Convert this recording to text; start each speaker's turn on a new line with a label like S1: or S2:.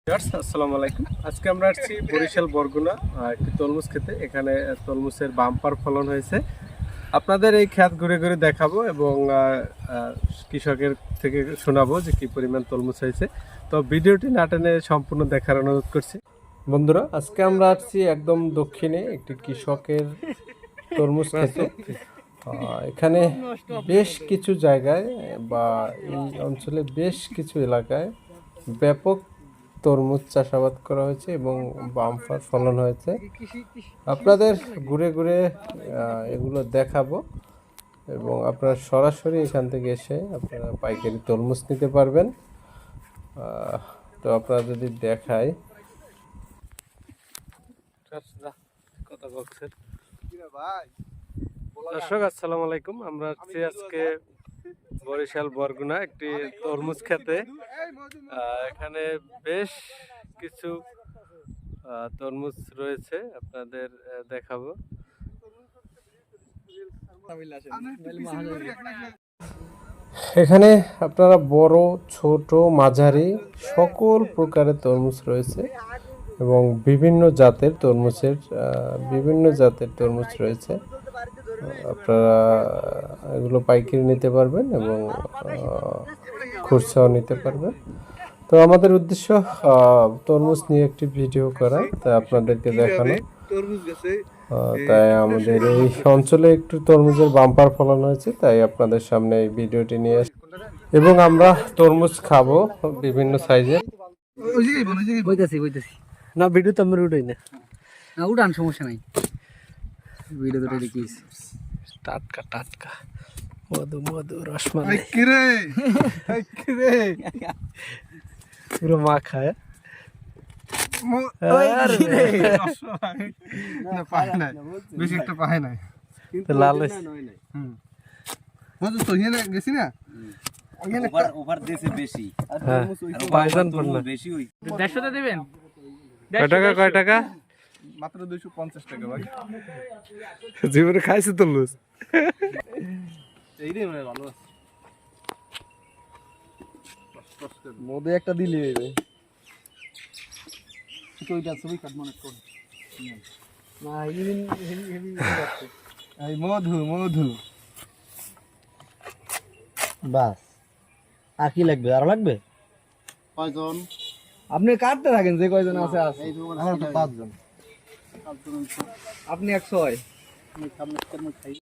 S1: আসসালামু আলাইকুম। আজকে আমরা আসছি বরিশাল বরগুনা একটি তরমুজ খেতে। এখানে তরমুজের বাম্পার ফলন হয়েছে। আপনাদের এই ক্ষেত ঘুরে ঘুরে দেখাবো এবং কৃষকের থেকে শোনাবো যে কি পরিমাণ তরমুজ হয়েছে। তো ভিডিওটি না টেনে সম্পূর্ণ দেখার অনুরোধ করছি। বন্ধুরা, আজকে আমরা আসছি একদম দক্ষিণে একটি কৃষকের তরমুজ খেতে। এখানে বেশ কিছু জায়গায় বা এই অঞ্চলে বেশ কিছু এলাকায় ব্যাপক তরমুজ চাষাবাদ করা হয়েছে এবং বাম্পার ফলন হয়েছে। আপনাদের ঘুরে ঘুরে এগুলো দেখাবো এবং আপনারা সরাসরি এখান থেকে এসে আপনারা পাইকারি তরমুজ নিতে পারবেন। তো আপনারা যদি দেখায় দর্শক, আসসালামু আলাইকুম। আমরা আজকে বরিশাল বরগুনা একটি তরমুজ খেতে। এখানে বেশ কিছু তরমুজ রয়েছে, আপনাদের দেখাবো। এখানে আপনারা বড় ছোট মাঝারি সকল প্রকারের তরমুজ রয়েছে এবং বিভিন্ন জাতের তরমুজ রয়েছে। আপনারা এগুলো পাইকারি নিতে পারবেন এবং খুচরাও নিতে পারবেন। তো আমাদের উদ্দেশ্য তরমুজ নিয়ে একটি ভিডিও করা, তাই আপনাদেরকে দেখানো। তাই আমাদের এই অঞ্চলে একটু তরমুজের বাম্পার ফলন হয়েছে, তাই আপনাদের সামনে এই ভিডিওটি নিয়ে আসি এবং আমরা তরমুজ খাবো বিভিন্ন সাইজের। না, ভিডিও তো আমরা উঠাই না,
S2: উঠান, সমস্যা নাই। ভিডিও তো দেখিস
S1: টাটকা টাটকা মধু মধু রসমালাই পুরো মা খায়। লাল
S2: গেছি না
S1: কয় টাকা?
S3: মাত্র 250 টাকা ভাই।
S1: জীবনে খাইছে তরমুজ?
S3: এইটাই মানে ভালো আছে।
S2: মধ্যে একটা দিলি হইবে।
S3: ওইটা ছবি কাট মনে কর।
S2: না, হেভি যাচ্ছে।
S3: এই মধু
S2: বাস আর কি লাগবে? আরো লাগবে?
S3: কয়জন?
S2: আপনি কাটতে থাকেন, যে কয়জন আছে আছে।
S3: এই তো আমরা 5 জন।
S2: আপনি 100।
S3: আমি খাই।